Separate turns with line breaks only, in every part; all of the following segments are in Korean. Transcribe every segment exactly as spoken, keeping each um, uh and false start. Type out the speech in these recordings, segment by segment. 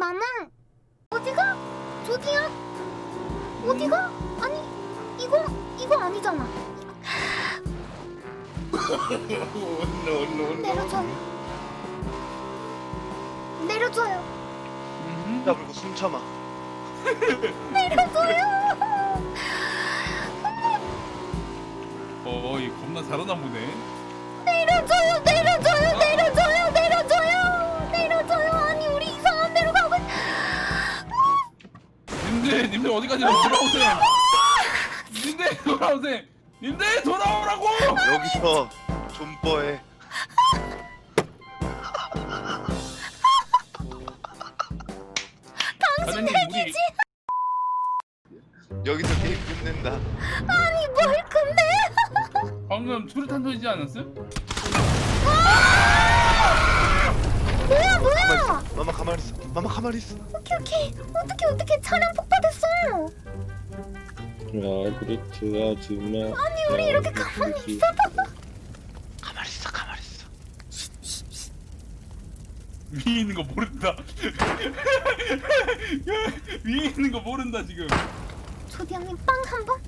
나는 어디가? 저기야? 어디가? 아니 이거 이거 아니잖아. 내려줘. 내려줘요.
야 그리고 숨 참아.
내려줘요.
어이 겁나 잘하나 보네.
내려줘요. 내려줘요. 내려줘요. 내려줘요. 내려줘요. 아니 우리 이상한 데로 가고.
님들 님들 어디까지 돌아오세요. 님들 돌아오세요. 님들 돌아오라고.
여기서 존버해.
당신
핵이지?
여기서 게임 끝낸다.
아니 뭘 근데?
방금 수류탄 터지지 않았어요?
뭐야
가만히
뭐야?
있어. 마마 가만히 있어. 마마 가만히 있어.
오케이 오케이. 어떻게 어떻게 차량 폭파됐어?
야 그렇지 아줌마.
아니 우리 이렇게 가만히 있어도.
가만히 있어. 가만히 있어.
위에 있는 거 모른다. 위에 있는 거 모른다 지금.
조디 형님 빵 한 번.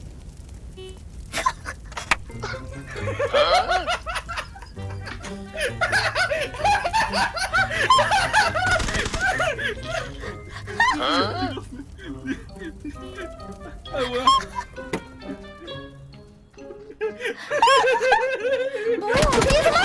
아 뭐야?
뭐야 어디에서